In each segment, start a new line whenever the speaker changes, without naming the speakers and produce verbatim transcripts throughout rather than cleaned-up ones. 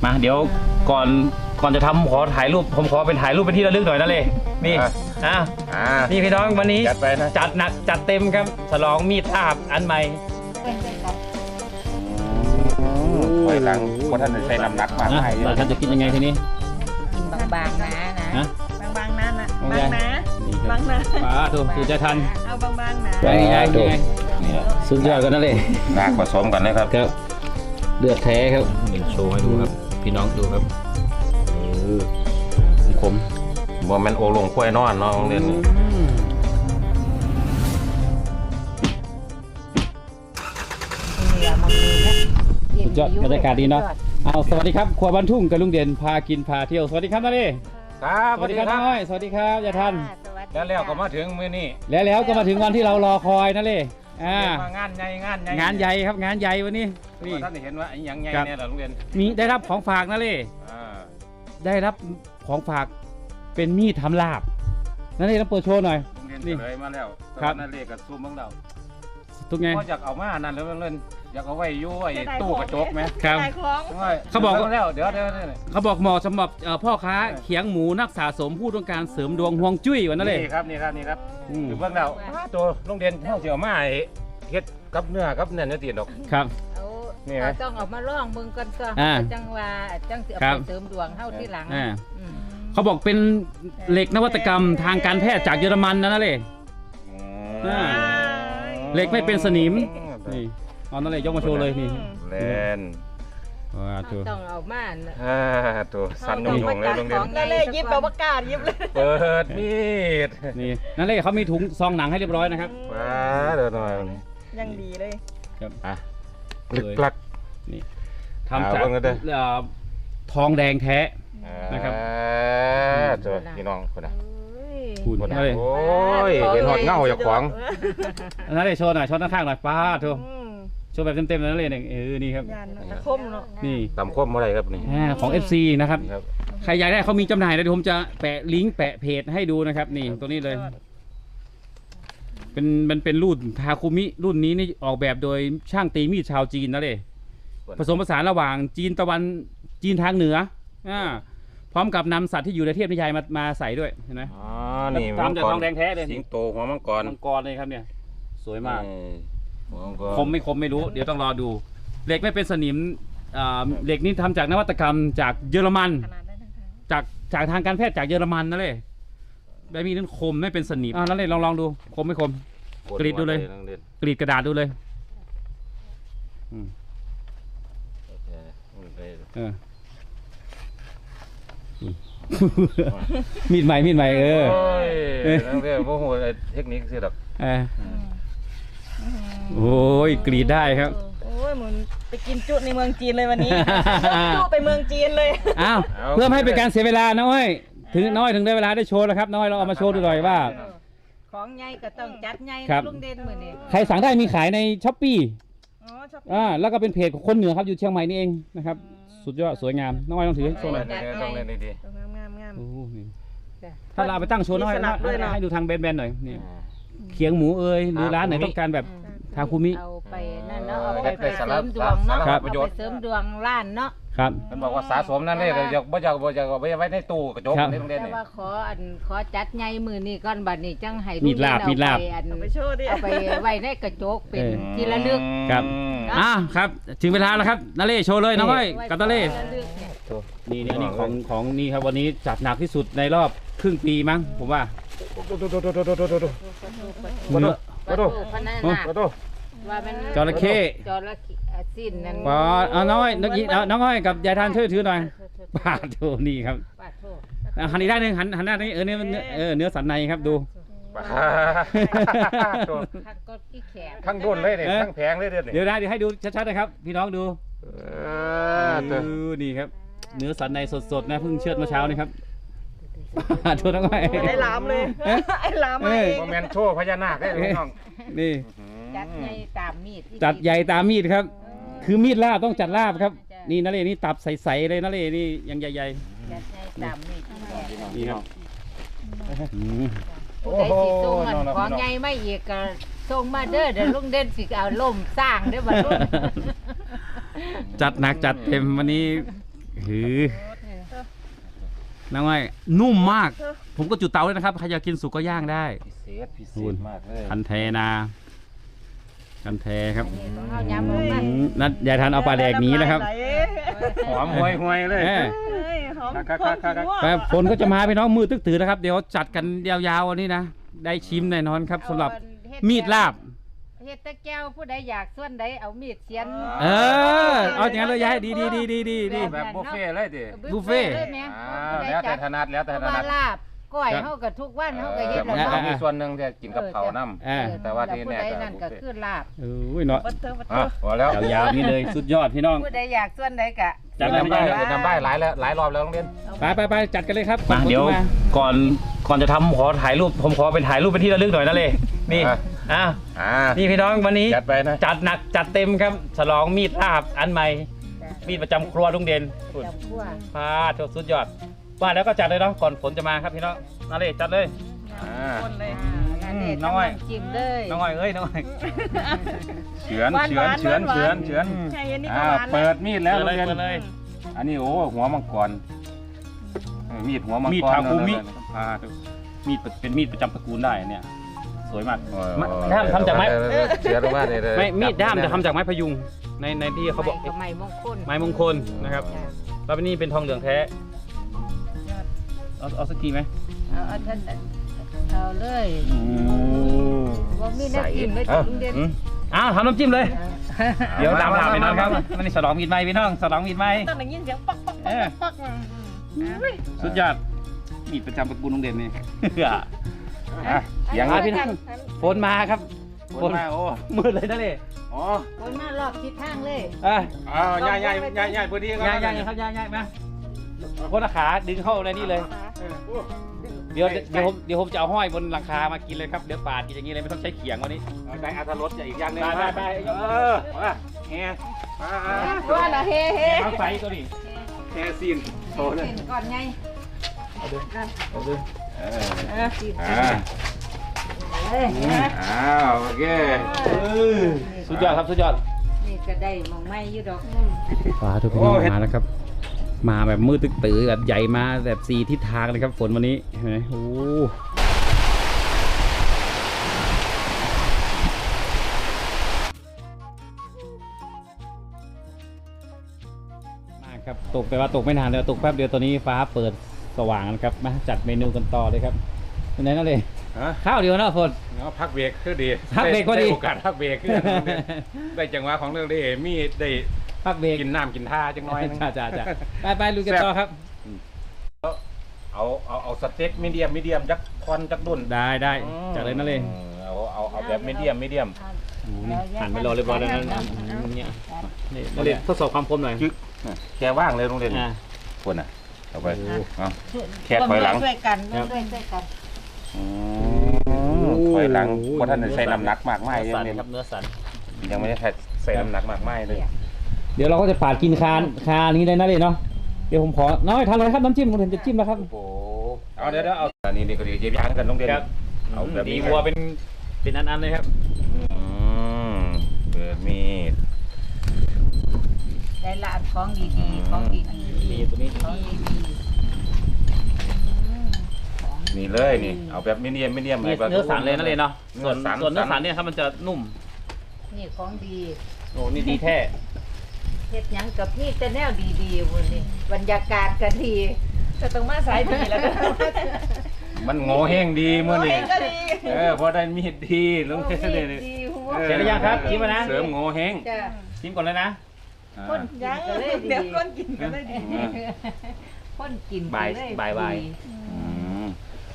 มาเดี๋ยวก่อนก่อนจะทำขอถ่ายรูปผมขอเป็นถ่ายรูปเป็นที่ระลึกหน่อยนะเลยนี่อ่ะนี่พี่น้องวันนี้จัดไปนะจัดหนักจัดเต็มครับฉลองมีดลาบอันใหม่
ถอยหลังคนท่านใช้น้ำหนักมากให้
ท่านจะกินยังไงทีนี้
กินบางๆนะนะ
บางๆนะนะบางนะบางนะ
ป้าถูกถูกใจทัน
เอาบางๆนะ
ยังไงยังไงสุดยอดกันนั่นเลย
หนักผสมกันนะครับ
ครับเลือดแท้ครับเป็นโชว์ให้ดูครับพี่น้องดูครับเออคม
บ่แม่นโอลงกล้วยนอนเนาะโรงเรียนนี้
สุดยอดบรรยากาศดีเนาะเอาสวัสดีครับครัวบ้านทุ่งกับลุงเด่นพากินพาเที่ยวสวัสดีครับนาเล่
ครับ
สวัสดีครับน้อยสวัสดีครับยายทัน
แล้วแล้วก็มาถึงมื้อนี้
แล้วแล้วก็มาถึงวันที่เรารอคอยนาเล่อ่
างานใหญ่งานใหญ่
งานใหญ่ครับงานใหญ่วันนี้
นี่ท่านเห็นว่าอย่างใหญ่เนี่ยเหรอโรงเรียน
มีได้รับของฝากนาเล่ได้รับของฝากเป็นมีดทำลาบนาเล่ต้องเปิดโชว์หน่อย
นี่เลยมาแล้วครับนาเล่กับซูมบ้างเรา
ทุกไง
ก็อยากเอามานั่นแล้วเล่นอยากเอาไว้ยุ่ยตู้กระจกไหม
ครับเขาบอก
แล้วเดี๋ยวเดี๋ยว
เขาบอกเหมาะสำหรับพ่อค้าเขียงหมูนักสะสมผู้ต้องการเสริมดวงฮวงจุ้ยวันนั้นเลย
นี่ครับนี่ครับนี่ครับอยู่เบื้องเราตัวโรงเรียนเท่าเสียวมาเฮ็ดกับเนื้อกับเนื้อเนื้อตีนดอก
ครับ
นี่ต้องออกมาล่องมึงกันก็จังว่าจังเสือไปเสริมดวงเท่าที่หลัง
เขาบอกเป็นเหล็กนวัตกรรมทางการแพทย์จากเยอรมันนั่นเลยเหล็กไม่เป็นสนิมนี่เอานั่นเลยยกมาโชว์เลยนี่
แลน
ว้าตัวต้องเอามา
อ่าตัวสั้นยงยงเลยโรงเรียน
นั่นเลยยิบแบบประกาศยิบเลย
เปิดมีด
นี่นั่นเลยเขามีถุงซองหนังให้เรียบร้อยนะครับ
ว้าเดี๋ยวหน่อย
ยังดีเลย
ครับ
อ่ะลึกลัก
นี่ทำจากทองแดงแท้นะครับ
เจอพี่น้องคนน่ะ
คุณ
นั่นเลยโอ้ยเห็นหอดเงาจากขวาง
นั่นเลยโชว์หน่อยโชว์ข้างๆหน่อยป้าโชว์โชว์แบบเต็มๆนั่นเลยเนี่ยเออนี่ครับ
ตะคมเนาะ
นี่
ตำคมอะไรครับนี่
ของ เอฟ ซี นะครับใครอยากได้เขามีจำหน่ายนะเดี๋ยวผมจะแปะลิงก์แปะเพจให้ดูนะครับนี่ตัวนี้เลยเป็นมันเป็นรุ่นทาคุมิรุ่นนี้นี่ออกแบบโดยช่างตีมีดชาวจีนนะเลยผสมผสานระหว่างจีนตะวันจีนทางเหนืออ่าพร้อมกับนำสัตว์ที่อยู่ในเทพนิยายมามาใส่ด้วยเห็นไหม
อ๋อนี่
ทำจากทองแดงแท้เลย
สิงโตหัวมังกร
มังกรเลยครับเนี่ยสวยมากคมไม่คมไม่รู้เดี๋ยวต้องรอดูเหล็กไม่เป็นสนิมเหล็กนี้ทำจากนวัตกรรมจากเยอรมันจากจากทางการแพทย์จากเยอรมันนั่นเลยแบบมีนั้นคมไม่เป็นสนิมอ่านั่นเลยลองลองดูคมไม่คมกรีดดูเลยกรีดกระดาษดูเลยมีดใหม่มีดใหม่เออ
นั่นเรียกว่าโหเทคนิคสิดอก
โอ้ยกรีดได้ครับ
โอ้ยเหมือนไปกินจุในเมืองจีนเลยวันนี้จุไปเมืองจีนเลย
อ้าวเพื่อให้เป็นการเสียเวลาน้อยถึงน้อยถึงได้เวลาได้โชว์แล้วครับน้อยเราเอามาโชว์ดูหน่อยว่า
ของใหญ่ก็ต้องจัดใหญ่ลุงเด่นเหมือนนี่
ใครสั่งได้มีขายในช้อปปี้อ่าแล้วก็เป็นเพจของคนเหนือครับอยู่เชียงใหม่นี่เองนะครับสุดยอดสวยงามน้องอ้อยต้องถือให้โชว์หน่อย
ต้องเล่นดี
งามงามงาม
ถ้าเราไปตั้งโชว์น้อยให้ดูทางแบนๆหน่อยนี่เขียงหมูเอ้ยหรือร้านไหนต้องการแบบทาคุมิ
เอาไปนั่นเนาะเอาไปเสริมดวงเนาะเอาไปเสริมดวงร้านเนาะ
ครับ
มันบอกว่าสะสมนั่นเลยอยากบ่อยากบ่อยากเอาไว้ในตู้กระจกในโรงเรียนนี่
แต่ว่าขออันขอจัดใหญ่มือนี่ก่อนบัดนี้จังให้
มีลาบมีลาบ
เอาไปโชว์ดิ
เอาไปไว้ในกระจกเป็นที่ระลึก
ครับอ่าครับถึงเวลาแล้วครับนาเล่โชว์เลยน้องอ้อยกับนาเล่นี่นี่นี่ของของนี่ครับวันนี้จัดหนักที่สุดในรอบครึ่งปีมั้งผมว่า
มาดูมาดู
มาดูว่ามัน
จระเข้
จระเข้สิ้นนั่น
ป้าเอาน้อยน้องน้องอ้อยกับยายทานช่วยถือหน่อยป้าโถนี่ครับหันอีกด้านหนึ่งหันหันหน้านี้เออเนื้อเออเนื้อสันในครับดู
ทั้งด้วนเลยเนี่ยทั้งแผงเลยเ
ดี๋ยวนะเดี๋ยวให้ดูชัดๆนะครับพี่น้องดูนี่ครับเนื้อสันในสดๆนะเพิ่งเชือดเมื่อเช้านี่ครับโชว์น้องอ้อย
ไอ้ลามเลยไอ้ลามเอง
โมเมนต์โชว์พญานาคได้น้อง
นี่
จัดใหญ่ตามมีด
จัดใหญ่ตามมีดครับคือมีดลาบต้องจัดลาบครับนี่นาเรนี่ตับใสๆเลยนาเรนี่ยังใหญ่
ๆจัดใหญ่ตามมีด
นี่ครับ
โอ้โหของใหญ่ไม่อีกก็ส่งมาเด้อเดี๋ยวลุงเด่นสิเอาล่มสร้างเด้อบัดนี้
จัดหนักจัดเต็มวันนี้หือน้องไอ้นุ่มมาก ผมก็จุดเตาเลยนะครับใครอยากกินสุกก็ย่างได้
พิเศษพิเศษมากเลย
คันแทนาคันแทครับ
นี่ต้องเอาย้ำลงมา
อืมนัดยายทันเอาปลาแดกหนี้นะครับ
หอมห่วยห่วยเลย
เออ
เฮ้ยหอม
ครับ
หอม
ครับครับ
ขี้ม่วง
แต่ฝนก็จะมาพี่น้องมือตึกถือนะครับ เดี๋ยวจัดกันยาวๆวันนี้นะ ได้ชิมแน่นอนครับสำหรับมีดลาบ
เฮ็ดตะแก้วผู้ใดอยากส่วนใดเอามีดเสียน
เออ เอาอย่างนั้นเลยยายดีดีดีดีดีดี
แบบบุฟเฟ่ต์เลยดิ
บุฟเฟ่ต์
เลยแม่
อ่าแล้วแต่ถนัดแล้วแต่
เพราะ
ถนั
ว่า
ด
ลาบก้อยเฮาก็ทุกวันเฮาก็เฮ็ด
มั
แล้
น
ว
ก็
เนาะ
มีส่วนหนึ่งที่กินกับเผาน้ำ
อ่า
แต่ว่าที่
ผู้
แน่
ใด
ก็
นั่นก็คือลาบ
เอ้ยเนาะ
บัตเตอร์บัตเตอ
อ่ะ
ร์
พอแล้ว
ยาวๆนี่เลยสุดยอดพี่น้อง
ผู้ใดอยากส่วนใดก็
จัด
น้ำ
ไป
ได้
เลย
น้ำได้หลายแล้วหลายรอบแล้วโรงเรียน
ไปไปไปจัดกันเลยครับ
มาเดี๋ยวก่อนก่อนจะทำขอถ่ายรูปผมขอเป็นถ่ายรูปเป็นที่ระลึกหน่อยนะเลยนี่
อ่ะ
อ่ะ
อ่า
นี่พี่น้องวันนี้
จัดไปนะ
จัดหนักจัดเต็มครับฉลองมีดลาบอันใหม่ มีดประจำครัวลุงเด่น
จับคั่ว
พาโชสุดยอดว่าแล้วก็จัดเลยเนาะก่อนฝนจะมาครับพี่น้องนาเลยจัดเลย
อ่า
คนเลย
นั่นเด็ด
น้อย
จิ้มเลย
น้องอ้อยเอ้ยน้องอ้อย
เฉือนเฉือนเฉือนเฉือนเฉือน
ใช่อันนี้ก็
อ่า
หวาน
เปิดมีดแล้ว
เปิด
โร
เลย
งเรียน
เปิดเลย
อันนี้โอ้หัวมังกรเออมีดหัวมังกร
มีดทาคุมิ
เนอะ
อ่ามีดเป็นมีดประจำตระกูลได้เนี่ยสวยมาก
โอ้ย
มาด้ามทำจากไม้
เออเออเฉือนลงมาเลยเลย
ไม่มีดด้ามจะทำจากไม้พยุงในในที่เขาบอก
ไม้กับไม้มงคล
ไม้มงคลนะครับแล้วนี่เป็นทองเหลืองแท้เอาเอาสักทีไหม
เอาเอาท่านเอาเลยบ่มีน้ำจิ้มเลยลุงเด่น
อืมอ้าวทำน้ำจิ้มเลย เดี๋ยว
มา
ตาม
มา
ถามไปน้องครับ
มา
มันนี่สลองมีดไหมพี่น้องสลองมีดไหม
ตอนได้ยินเสียงปักปักปักปักปักมา
สุดยอดมีดประจำตระกูลลุงเด่นนี่
อ่ะเสียง
อ่ะพี่น้องฝนมาครับ
ฝนมาโอ้
มืดเลยนะเลย
อ๋อ
คนมารอบทิศทางเลย
อ่ะ
อ้าวย่ายย่ายย่ายย่ายพอดี
ย่างย่างครับย่างย่างมาคนละขาดึงเข้าในนี่เลย เดี๋ยวเดี๋ยวผมเดี๋ยวผมจะเอาห้อยบนหลังคามากินเลยครับเดี๋ยวปาดกินอย่างนี้เลยไม่ต้องใช้เขียงวันนี้
ได้อัตรสจะอีกอย่างหนึง
ไปไปไป
เออมาแฮมา
ว่าละเฮ้เฮ้
เอาไฟตัวนี้
แฮซีนโตเลย
เห็นก่อนไง
เอาดู
เออ
เออสิ
อ่า
เอ้ย
อ้าวโอเค
สุดยอดครับสุดยอด
นี่ก็ได้มองไม่อยู่ดอก
ฟ้าทุกพี่น้องมาแล้วครับ มาแบบมืดตึกตื้อแบบใหญ่มาแบบสี่ทิศทางเลยครับฝนวันนี้เห็นไหมโอ้มากครับตกแต่ว่าตกไม่นานเลยตกแป๊บเดียวตอนนี้ฟ้าเปิดสว่างแล้วครับมาจัดเมนูกันต่อเลยครับเป็นไงนั่นเลย
ฮะ
ข้าวเดียวนะฝน
เอาพักเบรกคือดี
พักเบรกก็ดี
ไโอกาสพักเบรกคือได้จังหวะของเรื่องได้มีได้
พักเบรก
กินน้ำกินท่าจังน้อยนึง
จ้าจ้าจ้าไปไปลุยกันต่อครับ
เอาเอาเอาสเต็กมีเดียมมีเดียมจักคอนจักดุน
ได้ได้จากเลยนั่นเลย
เอาเอาเอาแบบมีเดียมมีเดียม
หันไปรอเรียบร้อยแล้วนะเนี่ยนี่มาเรียนทดสอบความคมหน่อย
จึ๊กแค่ว่างเลยโรงเรียน
อ่า
คนอ่ะเอาไปเอาแค่ถอยหลัง
ช่วยกันช่วยช่วยกัน
อืมถอยหลังเพราะท่านได้ใส่น้ำหนักมากมาย
เนื้อ
ยั
สั
ง
น
เนี่ย
ครับเนื้อสัน
ยังไม่ได้ใส่น้ำหนักมากมายเลย
เดี๋ยวเราก็จะปาดกินคานคานี้เลยนะเลยเนาะเดี๋ยวผมขอน้อยทานเลยครับน้ำจิ้มผมเห็นจะจิ้มแล้วครับ
โอ้โหเอาเดี๋ยวเดี๋ยวเอาอันนี้นี่ก็ดีเย็บยางกันโรงเรียน
ครับ
เอาแบบ
ดี
นี้
วัวเป็นเป็นอันๆเลยครับ
อืมเปิดมีด
ได้ละอันของดีๆของดีๆ
มีตัวนี้
ของดี
นี่เลยนี่เอาแบบมีเดียมมีเดียม
เนื้อสันเลยนั่นเลยเนาะส่วน
เนื้อสัน
ส่วนเนื้อสันเนี่ยครับมันจะนุ่ม
ๆนี่ของดี
โอ้นี่ดีแท้
เฮ็ดหยังกับพี่แต่แนวดีๆพุ่นนี่บรรยากาศก็ดี
จะต้องมาสายดีแล้วก็
มันโง่แห้งดีเมื่อนี่
เองก็ดี
เออพอได้มีดดีลงเทสเลย
ดีหัว
ออ
เสร็จหรือยังครับชิมมานะ
เสริมโง่แห้ง
จ้ะ
ชิมก่อนเลยนะ
อ่า
คนกินก็เลยดี
เดี๋ยวก้นกินก็ได้ดี
คนกินก็
บ่าย
เลย
บ่ายบ่าย
ดี
อืม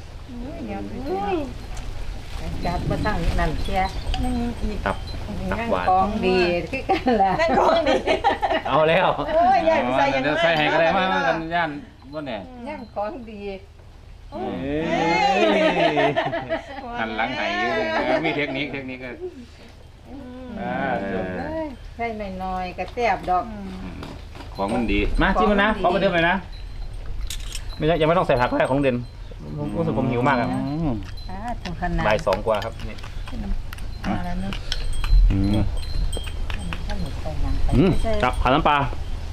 จัดมาตั้งนั่นเชีย
ตับตับ
นั่ง
หวาน
ของดีคือกันล่ะ
นั่นของดี
เอาแล้ว
โอ้ยใหญ่ไปใส่ยัง
เดี๋ยวใส่ให้ก็ได้มากันย่านว่าเนี่ย
นั่งของดี
เอ้ยหันหลังไหอยู่เลยเออมีเทคนิคเทคนิคก็อ่าเออ
ใส่น้อยๆก็แซ่บดอก
ของมันดี
มาชิมมานะขอประเดิมเลยนะไม่ใช่ยังไม่ต้องใส่ผักก็ได้ของเด่นผมรู้สึกผมหิวมากครับ
อืม
อ่าถึงขนาด
บ่ายสองกว่าครับนี่
มาแล้วเนอะ
อืม
ท่านหมดใส่หยังไป
อืม
ใส่
จับผัดน้ำปลา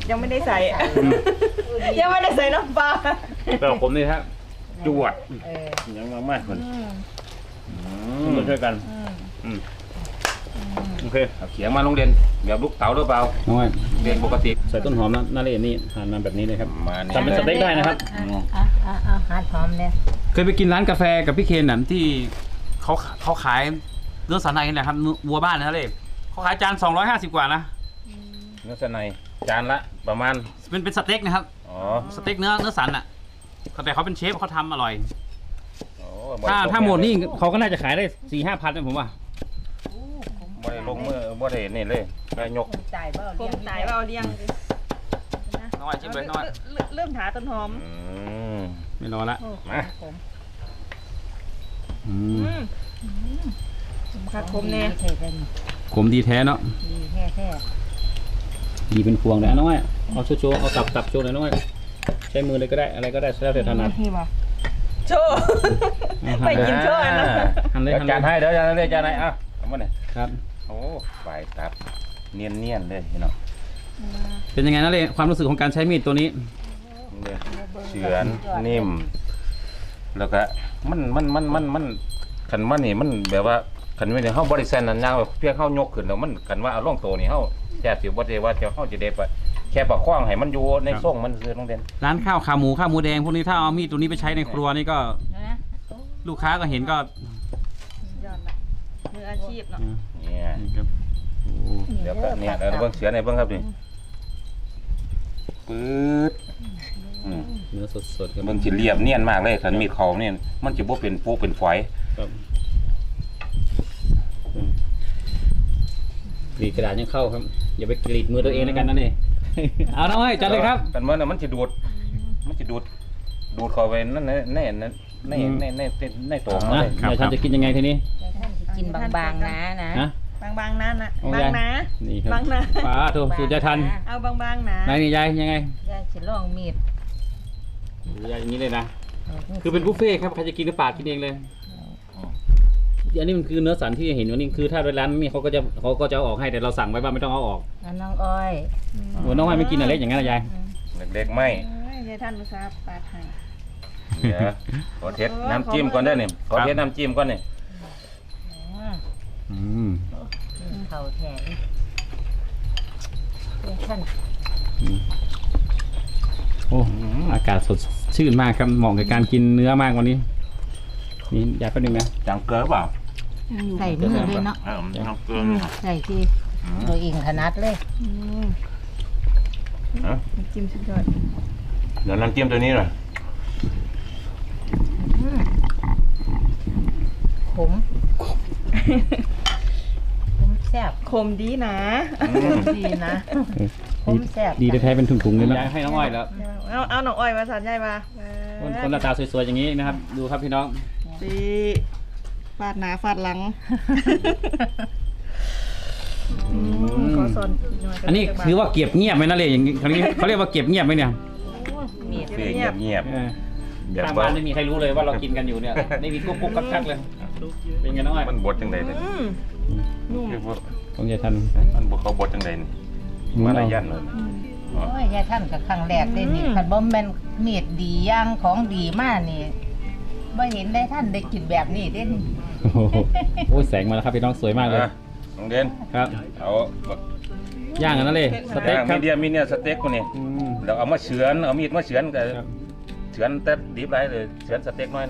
ยังไม่ได้ใส่ยังไม่ได้ใส่น้ำปลา
แต่ผมนี่ฮะจวด
เออ
ยังมามากคน
มาช่วยกัน
อืม
โอเค
เอาเขียงมาโรงเรียนแบบลูกเต๋าหรือเปล่า
น้อย
เรียนปกติ
ใส่ต้นหอมนะน่าเล่นนี่หั่นมาแบบนี้เลยครับ
มาเนี่ย
ทำเป็นสเต็กได้นะครับ
อ่ะอ่ะอ่ะหาหอมเนี่ย
เคยไปกินร้านกาแฟกับพี่เคนน่ะที่เขาเขาขายเนื้อสันในนี่แหละครับเนื้อวัวบ้านนะเลยเขาขายจานสองร้อยห้าสิบกว่านะ
เนื้อสันในจานละประมาณ
เป็นเป็นสเต็กนะครับ
อ๋อ
สเต็กเนื้อเนื้อสันอ่ะแต่เขาเป็นเชฟเขาทำอร่อย
โอ้
ถ้าถ้าหมดนี่เขาก็น่าจะขายได้สี่ห้าพันนะผมว่า
บ่ได้ลงมือบ่ได้นี่เลยได้ยก
จ่ายเปล่า
ผ
เลี้ย
ม
ง
ตายว่าเอาเลี้ยง
น้อยจิ้มเลยน้อย
เริ่มถาต้นหอม
อืม
ไม่รอละ
มา
ผม
อืม
อืมคักผมแน่
ดีแท้
ขมดีแท้เนาะ
ดีแท้แท้
ดีเป็นพวงเลยอ่ะน้อยเอาโชว์ๆเอาตับตับโชว์หน่อยน้อยใช้มือเลยก็ได้อะไรก็ได้แล้วแต่ถนัด
นี่ป่ะโชว์ไปกินโชว์อันนะ
หั่นเลย
เดี๋ยว
หั่น
จาน
เลย
ให้เดี๋ยวจานให้จานให้อ่ะเอามาเนี่ย
ครับ
โอ้ฝ่ายตับเนียนเนียนๆเลยพี่น้อง
เป็นยังไงนะเลยความรู้สึกของการใช้มีดตัวนี้
นี่เฉือนนิ่ม แล้วก็มันมันมันมันมันขันมันนี่มันแบบว่าขันไม่ได้เฮาบริษัทนั้นยางแบบเพียงเฮายกขึ้นแล้วมันขันว่าเอาล่องโตนี่เฮาแค่สิบ่ได้ว่าจะเฮาจะได้ไปแค่ประคองให้มันอยู่ในทรงมันคือโรงเรียน
ร้านข้าวขาหมูข้าวหมูแดงพวกนี้ถ้าเอามีดตัวนี้ไปใช้ในครัวนี่ก็
นะ
ลูกค้าก็เห็นก็
ยอดละมืออาชีพเนาะ
เนี่ย
นี่ครับโอ้
เดี๋ยวก็เนี่ยแล้วเบิ่งเสือในเบิ่งครับนี่ปื๊ดอืม
เนื้อสดๆครับ
เบิ่งสิเรียบเนียนมากเลยขันมีดเขาเนี่ยมันจะบ่เป็นโป๊กเป็นฝอย
ครับกรีดกระดาษยังเข้าครับ อย่าไปกรีดมือตัวเองในกันนั่นเอง เอาน้อยจัดเลยครับ
กันเมื่อน่ะมันจะดูด มันจะดูด ดูดเข้าไปนั่นในในในในในในในตัวมัน
นะ
เลย
เดี๋ยวฉันจะกินยังไงทีนี้
ท่านกินบางๆนะนะ
ฮะ
บางๆนั่นนะ
โอ้
บาย งนะ
นี่ครับ
บางนะ
ป้าถูกสูตรยายทัน
เอาบางๆนะ
นายนี่ยายยังไง
ยายสิลองมีด
ยายอย่างนี้เลยนะ คือเป็นบุฟเฟ่ต์ครับ ใครจะกินก็ปาดกินเองเลย อันนี้มันคือเนื้อสันที่เห็นว่านี่คือถ้าร้านนี้เขาก็จะเขาก็จะเอาออกให้แต่เราสั่งไว้ว่าไม่ต้องเอาออก
แล้วน้องอ้อย
โอ้น้องไม่ไม่กินอะไรอย่างนั้นนะยาย
เล็กๆไม่
เอ้ยยายท่านอุตส่าห์ปาดให้
เดี๋ยวขอเทสน้ำจิ้มก่อนได้เนี่ยขอเทสน้ำจิ้มก่อนเนี่ย
อืม
เข่าแทนท่าน
โอ้อากาศสดชื่นมากครับเหมาะกับการกินเนื้อมากวันนี้ นี่ยายแป๊บนึงนะ
จังเกลือเปล่า
ใส่มือเลยเนาะ
เออจังเกลือ
ใส่ที่ตัวเองขนาดเลย
อืม
ฮะ
จิ้มสุดยอด
เดี๋ยวน้ำจิ้มตัวนี้หน่อย
ขมขมแซ่บ
คมดีนะ
ดีนะขมแซ่บ
ดีแท้ๆเป็นถุงๆเลยนะยายให้น้องอ้อยแล้ว
เอาเอาหน่องอ้อยมาสานยายมา
คนคนหน้าตาสวยๆอย่างนี้นะครับ ดูครับพี่น้อง
ดีฟาดหนาฟาดหลังขอสอนหย
อันนี้คือว่าเก็บเงียบไหมนะเลยอย่างนี้เขาเรียกเขาเรียกว่าเก็บเงียบไหมเนี่ย
มีด
เงียบเงียบ
เออ
เดี๋ยว
ข้าง
ว่า
บ้านไม่มีใครรู้เลยว่าเรากินกันอยู่เนี่ยไม่มีกุ๊กกุ๊กกักกักเลย เป็นไงน้องอ้อย
มันบดจังไดเลย
อืมนุ่ม
คือว่า
ของยายทัน
มันบดเขาบดจังไดนี่มาลายันเลย
โอ้ยยายท่านกับครั้งแรกได้นี่คันบ่แม่นมีดดีอย่างของดีมากนี่บ่เห็นได้ท่านได้กินแบบนี้เด้นี่
โอ้โหโอ้ยแสงมาแล้วครับพี่น้องสวยมากเลย
นะน้องเด่น
ครับ
เอาแบบ
ย่างกันนั่นเลยสเต็กค
มี
รับ
เดียมีเนี่ยสเต็กคนนี้
อืม
แล้วเอามาเฉือนเอามีดมาเฉือนกับ
ครับ
เฉือนแต่ดิบไรเลยเฉือนสเต็กน้อยนะ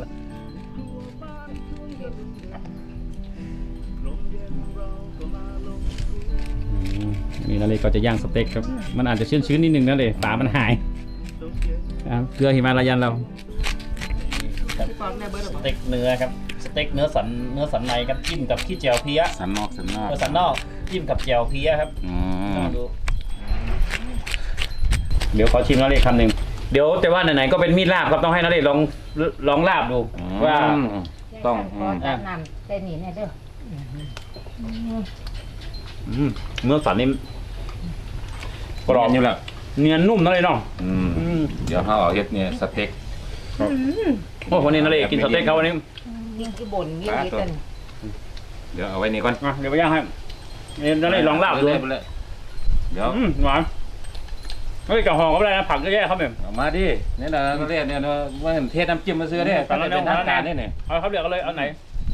อืมนี่นั่นเลยก็จะย่างสเต็กครับ มันอาจจะชื้นๆนิดนึงนั่นเลยฝามันหายครับเกลือหิมาลายันเรา
ที่ฟองในเบอร์หรือ
ส
เปล่า
เต็กเนื้อครับสเต็กเนื้อสันเนื้อสันในครับจิ้มกับขี้เจียวเพี้ย
สันนอกสันนอก
เนื้อสันนอกจิ้มกับเจียวเพี้ยครับ
อื
ลอ
ม
งดูเดี๋ยวขอชิมน้าเล็กคำหนึ่งเดี๋ยวแต่ว่าไหนๆก็เป็นมีดลาบครับต้องให้น้าเล็กลองลองลาบดูว่า
ต้อง
ขอน้ำใส่นี่แน่เด้อ
อืมเนื้อสันนี่
กรอบอยู่แล้ว
เนียนนุ่มน้าเล็กเนาะ
อืม
อืม
เดี๋ยวเขาเอาเฮ็ดเนี่ยสเต็ก
โอ้วันนี้น้าเล็กกินสเต็กเขาวันนี้
ยิ่งที่บ่นยิ่งนี้กัน
เดี๋ยวเอาไว้นี่ก่อน
อ่ะเดี๋ยวไปย่างให้เดี๋ยวน้าเล็กลองลาบดู
ไปเลยเดี๋ยว
อืมหวาน
เฮ้ยกับห่อก็ไม่ได้นะผักเยอะแยะครับเนี่ย
เอามาดินี่นะก็เรียกเนี่ยเนาะว่าเทศน้ำจิ้มมาซื้อเนี่ยตอนนี้เป็นทางการนี่เนี่ย
เอาครับเดี๋ยวก็เลยเอาไหน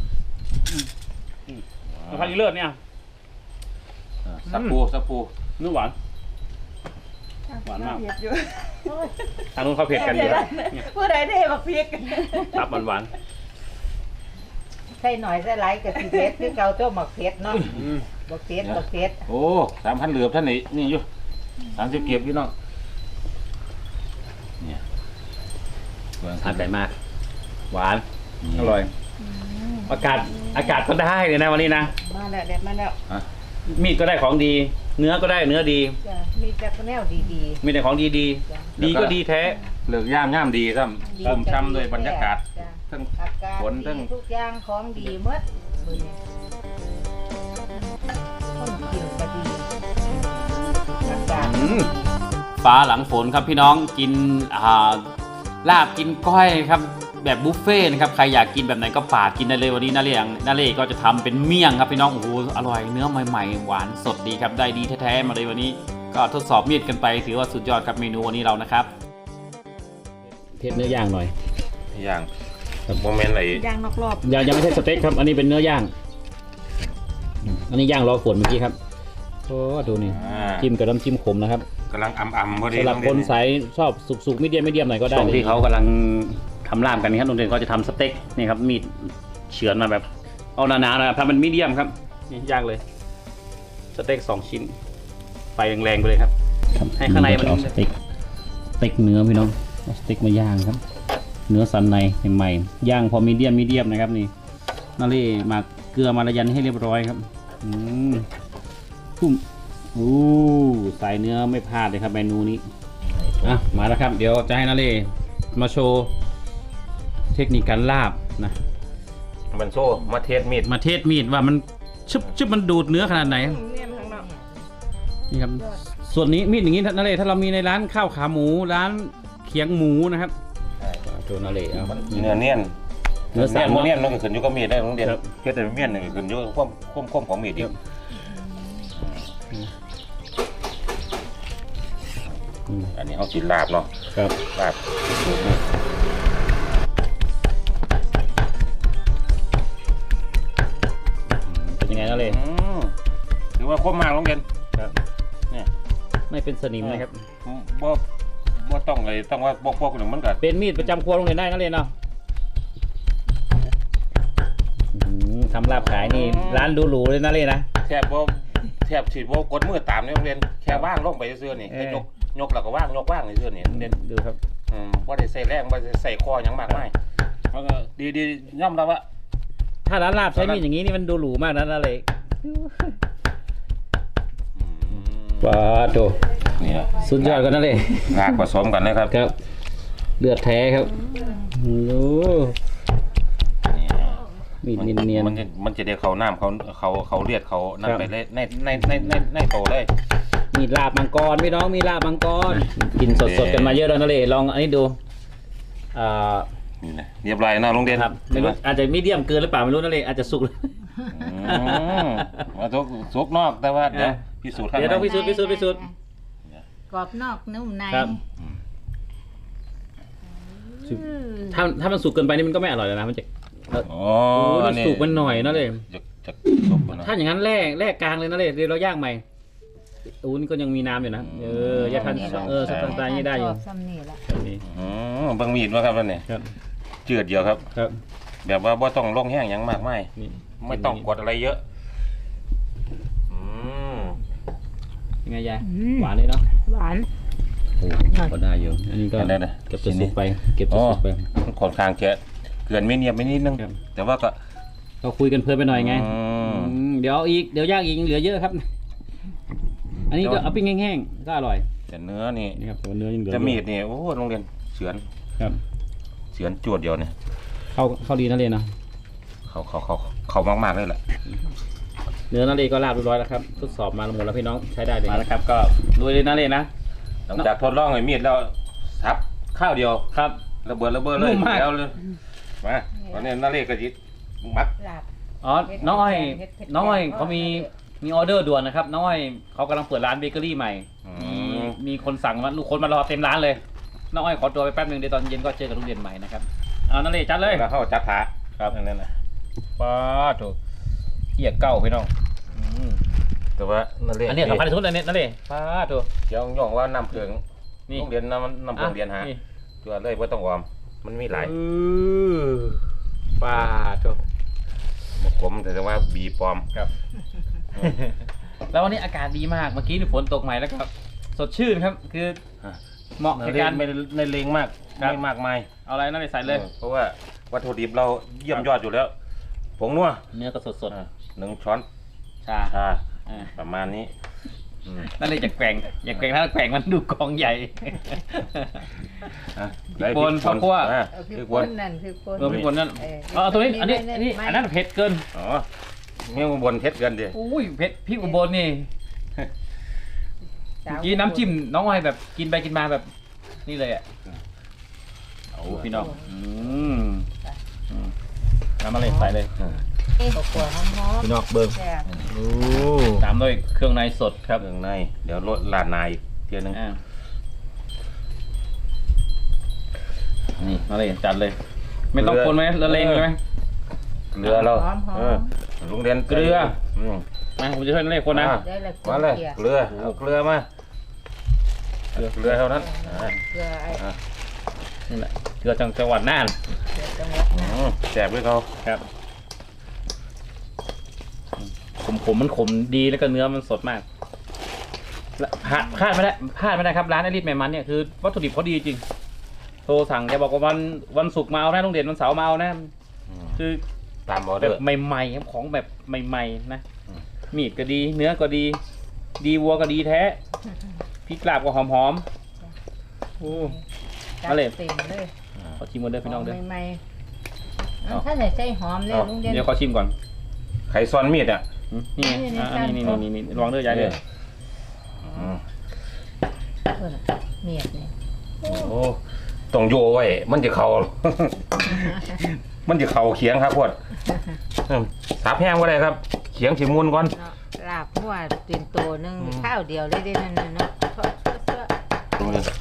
เอาผักอีเลิศเนี่ย
สับปูสับปู
นุ่มหวาน หวานมาก
เผ็ดอยู่
ทางนู้นเขาเผ็ดกันอยู่แล้วเนี่ย
ผู้ใดได้บักพริก
ตับหวาน
ใส่หน่อยใส่หลายก็สิเผ็ดคือเก่าตัวหมักเผ็ดเนาะ
ๆอืม
บ่เผ็ดบ่เผ็ด
โอ้สามพันเหลือบท่านนี่นี่อยู่สามสิบเก็บพี่น้องเนี่ย
ทานใจมาก หวานอร่อย อากาศอากาศก็ได้เลยนะวันนี้นะ
มาแล้วเด็ดมาแล้ว
มีดก็ได้ของดี เนื้อก็ได้เนื้อดี
จ้ะมีแต่แนวดี
มีแต่ของดีดี
ๆจ้ะ
ดีก็ดีแท้
เหลือกย่ามย่ามดีครับชมช้ำด้วยบรรยากาศ
จ้ะ
ทั้ง
อากาศ
ฝนทั้ง
ดีทุกอย่างของดีหมดมื้อนี้คนกินก็ดีอากาศ
ฟ้าหลังฝนครับพี่น้องกินอ่าลาบกินก้อยครับแบบบุฟเฟ่ต์นะครับใครอยากกินแบบไหนก็ปาดกินได้เลยวันนี้นาเล่นาเล่ก็จะทำเป็นเมี่ยงครับพี่น้องโอ้โหอร่อยเนื้อใหม่ๆหวานสดดีครับได้ดีแท้ๆมาเลยวันนี้ก็ทดสอบมีดกันไปถือว่าสุดยอดครับเมนูวันนี้เรานะครับเทสเนื้อย่างหน่อย
อย่างโมเมนต์ไหน
ย่างนอกรอบ
ยังยังไม่ใช่สเต็กครับอันนี้เป็นเนื้อย่างอันนี้ย่างรอฝนเมื่อกี้ครับโอ้ดูนี่
อ่า
จิ้มกับน้ำจิ้มขมนะครับ
กำลังอ่ำๆพอดี
สำหรับคนสายชอบสุกๆไม่เดียมไม่เดียมหน่อยก็ได้
ช่วง
เลย
ที่เขากำลังทำลาบกันครับโรงเรียนเขาจะทำสเต็กนี่ครับมีดเฉือนมาแบบเอาหนาๆนะครับทำเป็นมีเดียมครับนี่ย่างเลยสเต็กสองชิ้นไฟแรงๆไปเลยครับให้ข้างในมันสเต็กสเต็กเนื้อพี่น้องเอาสเต็กมาย่างครับ เนื้อสันในใหม่ๆย่างพอมีเดียมมีเดียมนะครับนี่นาเล่หมักเกลือมาละยันให้เรียบร้อยครับอืมพุ่มอู้สายเนื้อไม่พลาดเลยครับเมนูนี้อ่ะมาแล้วครับเดี๋ยวจะให้นาเล่มาโชว์เทคนิคการลาบนะ
มันโซ่มาเทสมีด
มาเทสมีดว่ามันชึบชึบมันดูดเนื้อขนาดไหน
เนี่ยข้างนอก
นี่ครับส่วนนี้มีดอย่างนี้นาเล่ถ้าเรามีในร้านข้าวขาหมูร้านเขียงหมูนะครับโชว์นาเล่เอา
เนื้อเนียน
เนื้อสัน
เนื้อเนียนมันก็ขึ้นอยู่กับมีดได้โรงเรียน
ครับ
เพียงแต่เมียนนี่ขึ้นอยู่กับความความความของมีดอีก
อืม
อันนี้เขากินลาบเนาะ
ครับ
ลาบ
เป็นยังไงนาเล่
อืมถือว่าคมมากโรงเรียน
ครับ
เนี่ย
ไม่เป็นสนิมนะครับ
บ่บ่ต้องเลยต้องว่าบอกพวกหนึ่งมันก็
เป็นมีดประจำครัวโรงเรียนได้นาเล่เนาะอืมทำลาบขายนี่ร้านหรูๆเลยนาเล่นะ
แทบบ่แทบฉีดบ่กดมือตามในโรงเรียนแค่ว่างลงไปซื่อๆนี่
เออ
แค่ยกยกแล้วก็ว่างยกว่างซื่อๆนี่โรงเรียน
ดูครับ
อืมบ่ได้ใส่แรงบ่ได้ใส่คอหยังมากมายแล้วก็ดีๆย่อมรับว่า
ถ้าร้านลาบใช้มีดอย่างนี้นี่มันดูหรูมากนะนาเล่
อืม
ว้าโต
นี่แหละ
สุดยอดกันนาเล่
ลากผสมกันเลยครับ
ครับเลือดแท้ครับโอ้ มีดเนียน
มันจะมันจะได้เขาน้ำเขาเขาเขาเลียดเขานั่น
ครับ
ไปเลยในในในในในโตเลย
ๆมีดลาบมังกรพี่น้องมีลาบมังกรกินสดๆกันมาเยอะแล้วนะเลยลองอันนี้ดูอ่า
นี่นะเรียบร้อยนะโรงเรียน
ครับไม่รู้อาจจะมีเดียมเกินหรือเปล่าไม่รู้นะเลยอาจจะสุกเลย
อืมมาทุกสุกนอกแต่ว่าเดี๋ยว
อ่ะ
พิสูจน์ข้าง
เดี๋ยว
ใน
ต้องพิสูจน์พิสูจน์พิสูจน์
กรอบนอกนุ่มใน
ครับ ถ้าถ้ามันสุกเกินไปนี่มันก็ไม่อร่อยแล้วนะมันจะ
โอ้
โอ้ยมันสุกมันหน่อยนะเลย
จะจะสุกมันนะ
ถ้าอย่างนั้นแร่แร่กลางเลยนะเลยเดี๋ยวเราย่างใหม่อูนี่ก็ยังมีน้ำอยู่นะเอออย่าทันเออสไตล์นี้ได้อยู่
ชอบซ้ำนี่ละ
แบบนี้
อืมเบิ่งมีดว่าครับนั่นนี่
ครับ
เจือดเดียวครับ
ครับ
แบบว่าบ่ต้องลงแห้งหยังมากมาย
นี่
ไม่ต้องกดอะไรเยอะอืม
ยังไงยายหวานเลยเนาะ
หวาน
โอ้ก็ได้อยู่อันนี้ก็
ได้ได้
เก็บจะสุกไปเก็บจะ
อ๋อ
สุกไป
มันค่อนข้างแกะเกลือนไม่เนียบไม่นิดนึง
ครับ
แต่ว่าก็
ก็คุยกันเพลินไปหน่อยไง
อืม
อืมเดี๋ยวอีกเดี๋ยวย่างอีกยังเหลือเยอะครับ อันนี้ก็เอาปิ้งแห้งๆก็อร่อย
แต่เนื้อนี่
นี่ครับแต่ว่าเนื้อยังเหลือ
จะ
อยู่
มีดนี่โอ้โรงเรียนเฉือน
ครับ
เฉือนจวดเดียวเนี่ย
เข้าเข้าดีนั่นเลยนะ
เขาเขาเขาเขามากๆเลยแหละ
เนื้อนั่นเลยก็ลาบเรียบร้อยแล้วครับทดสอบมาหมดแล้วพี่น้องใช้ได้เลยมาแล้วครับ ก็ลุยเลยนั่นเลยนะ
หลังจากทดลองไอ้มีดแล้วซับข้าวเดียว
ครับ
ระเบิดระเบิดเลย
นุ่มมาก
แล้วเลยมาตอนนี้นาเรศก็จิมัด
ลาบ
อ๋อน้องอ้อย
เฮ็ดเผ็ด
น้องอ้อย
เผ็ด
เขามีมีออเดอร์ด่วนนะครับน้องอ้อยเขากำลังเปิดร้านเบเกอรี่ใหม่
อืม
มีคนสั่งมาลูกคนมารอเต็มร้านเลยน้องอ้อยขอตัวไปแป๊บนึงเดี๋ยวตอนเย็นก็เจอกับลุงเด่นใหม่นะครับเอานั่นเลยจัดเลย
แล้วเข้าจัดขา
ครับ
อันนั้นนะ
ป้าถูกเกียร์เก้าพี่น้องอืม
แต่ว่านั่นเลย
อันนี้สำคัญที่สุดอันนี้นั่นเลยป้าถูก
เดี๋ยวย่องว่าน้ำเกลือง
นี่
โรงเรียนน้ำน้ำเกลืองเรียนหาตัวเลยว่าต้องวอร์มมันมีหลาย
เออป้าถูก
ผมแต่ว่าบีปลอม
ครับ แล้ววันนี้อากาศดีมากเมื่อกี้นี่ฝนตกใหม่แล้วครับสดชื่นครับคือเหมาะ
ใน
ในการ
ไม่ในเลงมาก
ครับ
ไม่มากมาย
เอาอะไรนั่นเลยใส่เลย
เพราะว่าวัตถุดิบเราเยี่ยมยอดอยู่แล้วผงนัว
เนื้อก็สดสด
อ่าหนึ่งช้อน
ๆชา
ชา
อ่า
ประมาณนี้อืม
นั่นเลยจะแกว่งอย่าแกว่งถ้าแกว่งมันดูกองใหญ่
อ่ะ
พริกป่นข้าวคั่ว
อ่ะ
เอา
พ
พี่
ริก
ค
ป่น
นนั่นพี่คน
เออพี่คนนั่น
เออ
เออตัวนี้อันนี้
ไม่
อันนี้
ไม่
อันนั้นเผ็ดเกิน
อ๋อเมี่ยงอุบนเผ็ดเกินดิ
อุ้ยเผ็ดพริกอุบลนี่เมื่อกี้น้ำจิ้มน้องอ้อยแบบกินไปกินมาแบบนี่เลยอ่ะโอ้พี่น้องอืมอืมน้ำอะไรใส่เลย
อ่า
ข้าวคั่วหอม
พี่น้องเบิ้ง
ๆแซ่บ
โอ้ตามด้วยเครื่องในสดครับ
เครื่องในเดี๋ยวลดลาดนายอีกเทียนึง
อ่านี่มาเลยจัดเลย ไม่ต้องคนไหมละเลงเลยไหม
เกลือเรา
หอมๆ
เออลุงเรียน
เกลือ
อืม
มาผมจะช่วยละเลงคนนะ
อ่า
ได้ละ
มาเลย
เก
เก
ลื
ลื
อ
อเอาเกลือมาเกลือเกลือเท่านั้นอ่า
เกลือไอ้
อ่า
นี่แหละเกลือจังจังหวัดน่าน
เกลือจังหวัดน่าน
อืมแจกด้วยเขา
ครับขมขมมันขมดีแล้วก็เนื้อมันสดมากและพลาดพลาดไม่ได้พลาดไม่ได้ครับร้านไอริสแมมันเนี่ยคือวัตถุดิบเขาดีจริงโทรสั่งแกบอกว่าวันวันศุกร์มาเอานะโรงเรียนวันเสาร์มาเอานะ
อืม
คือ
ตามออ
แบ
เดอบ ร์
ใหม่ๆครับของแบบใหม่ๆนะ
อืม
มีดก็ดี เนื้อก็ดี ดีวัวก็ดีแท้พริกลาบก็หอมๆโอ้
จัด
มาเลย
เต็มเลย
ขอชิมก่อนเด้อพี่น้องเด้อ
ใหม่ๆ
เอา
ถ้าไหนใส่หอมเลยลุงเด่น
เดี๋ยวขอชิมก่อน
ไข่ซ้อนมีดอ่ะ
อืมนี่ไง
นี่
อ่า
นี่
นี่
ครับ
นี่นี่นี่ลองเด้อยายเด้อ
อืม
เพิ่นน่ะเมียดนี่
โอ้ต้องโยไว้มันจะเข่า มันจะเข่าเขียงครับพวดอืมสาบแห้งก็ได้ครับ เขียงสิมุนก่อน
เนาะลาบหัวตีนโตหนึง
อืม
ข้าวเดียวเลยเด้นั่นน่ะเนาะทอดเสื้อ
ตรงนี้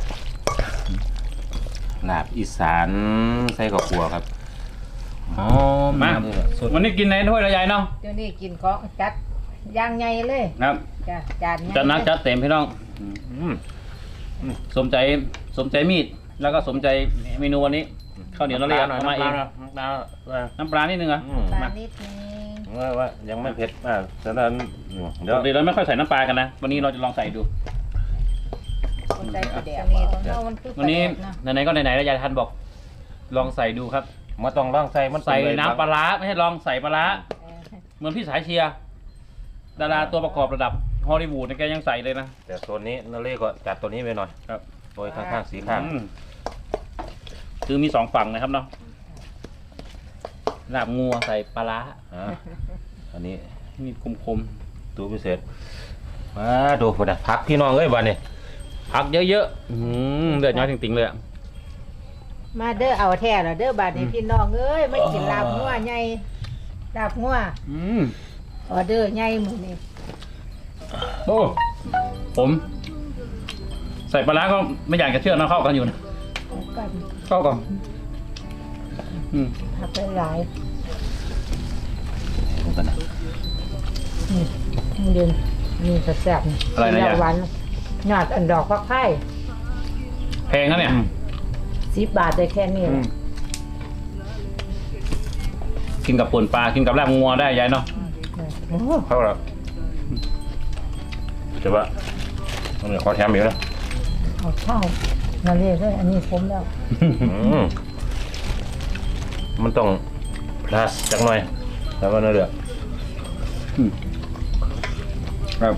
ลาบอีสานใส่กับขัวครับอ๋อ
มาวันนี้กินในถ้วยละยายเนาะ
เดี๋ยวนี้กินของจัดอย่างใหญ่เลย
ครับ
จ้ะจานใหญ่
จัดหนักจัดเต็มพี่น้อง
อืม
สมใจสมใจมีดแล้วก็สมใจเมนูวันนี้ข้าวเหนียวเราเรียกเอามาเอง
น้ำปลาหน่อย
น้ำปลานิดนึงเหรอ่ะ
อืม
ปลานิดนึง
ว่าว่ายังไม่เผ็ดมากฉะนั้นอืมเดี๋ยว
ปกติเราไม่ค่อยใส่น้ำปลากันนะวันนี้เราจะลองใส่ดู
คนใจสีแดงนี่เนาะมันคือ
วันนี้
ปลาแดกเนาะ
ไหนๆก็ไหนๆแล้วยายทันบอก ลองใส่ดูครับ
มาต้องล่างใส่มัน
ใส่
เป็เลย
น้ำปลาร้าไม่ใช่ลองใส่ปลาร้า
เออ
เหมือนพี่สายเชียร์ดาราตัวประกอบระดับฮอลลีวูดเนี่ยแกยังใส่เลยนะ
แต่โซนนี้นาเล่ก็จัดตัวนี้ไปหน่อย
ครับ
โดยข้างๆสีข้าง
อืมคือมีสองฝั่งนะครับเนาะลาบงัวใส่ปลาร้า
อ่าอันนี้
มีคม
ตัวพิเศษมาดูพุ่นนะพักพี่น้องเอ้ยบ้านนี้
ๆผักเยอะๆอืมเลือดน้อยจริงๆเลยอะ
มาเด้อเอาแท้แล้วเด้อบาดนี้พี่น้องเอ้ยมากินลาบงัวใหญ่ลาบงัว
อืม
ออเดอร์ใหญ่มื้อนี้
โอ้ผม ใส่ปลาร้าก็ไม่อยากจะเชื่อนะเข้ากันอยู่นะ
เอากัน
เข้ากันอืม
ผักหลาย
ดูกันนะ
ๆนี่ลุงเด่นนี่แซ่บๆนี่
อะไรนะ
กิ
ยาย
แล้วหวานยอดอันดอกฟักไข่
แพงนะเนี่ย
สิบบาทได้แค่นี้
อื
แห
ม
ละ
กินกับป่นปลากินกับลาบงัวได้ยายเนาะ
โอ้
เข้าแล้วแต่ว่ามันมีข้อแถมอยู่นะ
เอาข้าวมาเรียกด้วยอันนี้ผมแล้ว
อืมมันต้อง plus จักหน่อยแล้วก็นั่นเดือด
ครับ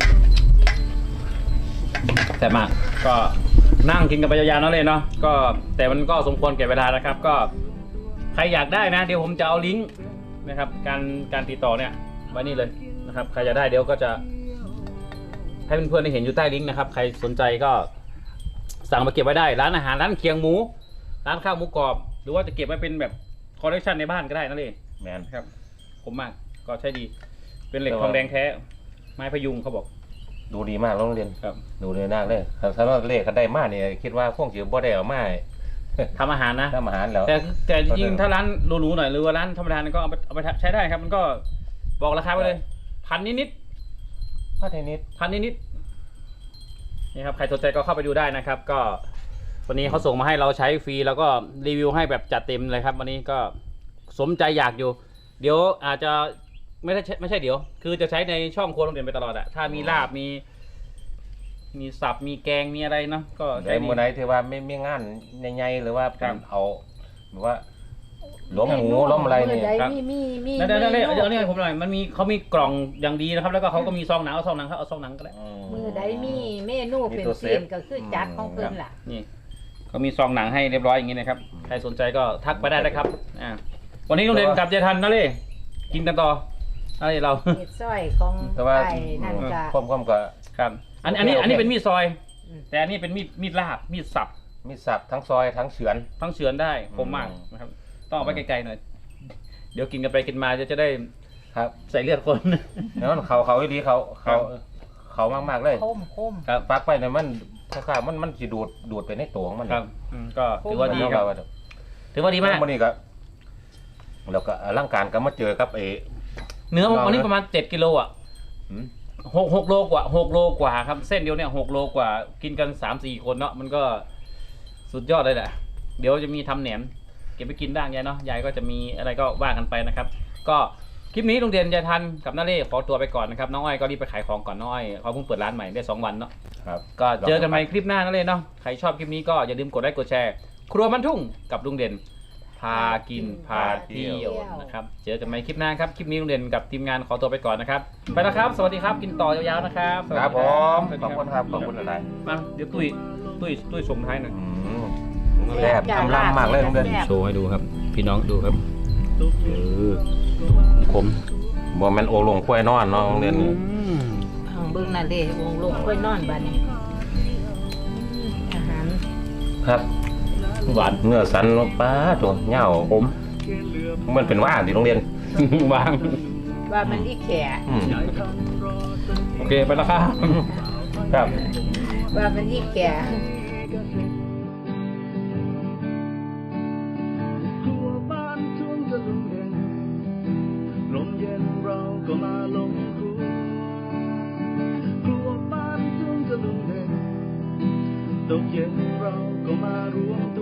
แต่บมากก็นั่งกินกันไปยาวๆเนาะเลยเนาะก็แต่มันก็สมควรแก่เวลานะครับ ก็ใครอยากได้นะ เดี๋ยวผมจะเอาลิงก์นะครับ การการติดต่อเนี่ยไว้นี่เลยนะครับ ใครอยากได้เดี๋ยวก็จะให้เพื่อนๆได้เห็นอยู่ใต้ลิงก์นะครับ ใครสนใจก็สั่งมาเก็บไว้ได้ ร้านอาหารร้านเคียงหมู ร้านข้าวหมูกรอบ หรือว่าจะเก็บไว้เป็นแบบคอลเลคชันในบ้านก็ได้นั่นเอง
แมน
ครับผมมากก็ใช้ดี เป็นเหล็กทองแดงแท้ ไม้พยุงเขาบอก
ดูดีมากโรงเรียน
ครับ
ดูดีมากเลยถ้าว่าเลขเขาได้มาเนี่ยคิดว่าคงสิบ่ได้เอามา
ทำอาหารนะ
ทำอาหารแล้ว
แต่แต่จริงๆถ้าร้านหรูๆหน่อยหรือว่าร้านธรรมดาเนี่ยก็เอาไปเอาไปใช้ได้ครับ มันก็บอกราคาไปเลยพันนิด
พระเทนิด
ๆพันนิดๆนี่ครับใครสนใจก็เข้าไปดูได้นะครับ ก็วันนี้เขาส่งมาให้เราใช้ฟรีแล้วก็รีวิวให้แบบจัดเต็มเลยครับ วันนี้ก็สมใจอยากอยู่ เดี๋ยวอาจจะไม่ใช่ไม่ใช่เดี๋ยว คือจะใช้ในช่องครัวโรงเรียนไปตลอดอะถ้ามีลาบมี มีสับมีแกงมีอะไรเนาะก็
ใน
ใช้ดี
มื้อไหนที่ว่าไม่มีงานใหญ่ๆหรือว่า
ครับ
เอาแบบว่าล้มหมูล้มอะไรเนี่ย
ครับ
มีมีมี
นั่นนั่นเดี๋ยวนี้ให้ผมหน่อยมันมีเขามีกล่องอย่างดีนะครับ แล้วก็เขาก็มีซองหนังเอาซองหนังเขาเอาซองหนังก็ได้
มือใดมีเมนูเป็นเส้นก็คือจัดของเพิ่นล่ะ
นี่เขามีซองหนังให้เรียบร้อยอย่างนี้นะครับ ใครสนใจก็ทักไปได้นะครับอ่าวันนี้โรงเรียนกลับเจทันนะเล่กินกันต่ออะไรเรา
เห็ดซอยของ
แต่ว่า
ไอ้นั่นก็
พร้อมๆก็
ครับ อันอันนี้
โอเค
อันนี้เป็นมีดซอย
อืม
แต่อันนี้เป็นมีดมีดลาบมีดสับ
มีสับทั้งซอยทั้งเฉือน
ทั้งเฉือนได้คมมาก
อืม
นะครับต้องเอาไปไกลๆหน่อยเดี๋ยวกินกันไปกินมาจะจะได้
ครับ
ใส่เลือดคน
แล้วมันเขาเขาอีดีเขาเขาเขามากๆเลย
คมคม
ครับ
ปักไปเนี่ยมันคล้ายๆมันมันสิดูดดูดไปในตัวของมัน
ครับอืมก็ถือว่าดีครับ ถือว่าดีมาก
วันนี้ก็แล้วก็ร่างการก็มาเจอกับเอ
เนื้อ
เรา
วันนี้
นะ
ประมาณเจ็ดกิโลอ่ะ
หืม
หกหกโลกว่าหกโลกว่าครับ เส้นเดียวเนี่ยหกโลกว่า กินกันสามสี่คนเนาะมันก็สุดยอดเลยแหละ เดี๋ยวจะมีทำแหนม เก็บไปกินบ้างยายเนาะยายก็จะมีอะไรก็ว่ากันไปนะครับ ก็คลิปนี้โรงเรียนยายทันกับน้าเล่ขอตัวไปก่อนนะครับน้องอ้อยก็รีบไปขายของก่อนน้องอ้อยเขาเพิ่งเปิดร้านใหม่ได้สองวันเนาะ
ครับ
ก็เจอกันใหม่คลิปหน้านั่นเลยเนาะ ใครชอบคลิปนี้ก็อย่าลืมกดไลค์กดแชร์ ครัวมันทุ่งกับลุงเด่น พากินพาเที่ยวนะครับ เจอกันใหม่คลิปหน้าครับ คลิปนี้ลุงเด่นกับทีมงานขอตัวไปก่อนนะครับ ไปแล้วครับ สวัสดีครับ กินต่อยาวๆนะครับสวัส
ค
ดี
รับผม
สวัส
ข
ดี
อบคุณครับขอบคุณอะไร
มาเดี๋ยวตุ้ยตุ้ยตุ้ยส่งท้ายหน่อย
อืมแซ่บอำลำมากเลยโรงเรียน
โชว์ให้ดูครับ พี่น้องดูครับเออคม
บ่แม่นโอลงควายนอนเนาะโรงเรียนนี้
ทางเบิ่งนั่นเด้วงลงค่อยนอนบัดนี้อาหาร
ครับ
หวาน
เนื้อสันป้าตัวเหงา
ผม
มันเป็นว่านที่โรงเรียน
วาง
ว่ามันอีแข
อืม
โอเค ไปแล้วครับ
ครับ
ว่ามันอีแข
ครัวบ้านทุ่งจะลุงเด่นลมเย็นเราก็มาลงครัวครัวบ้านทุ่งจะลุงเด่นตกเย็นเราก็มารวม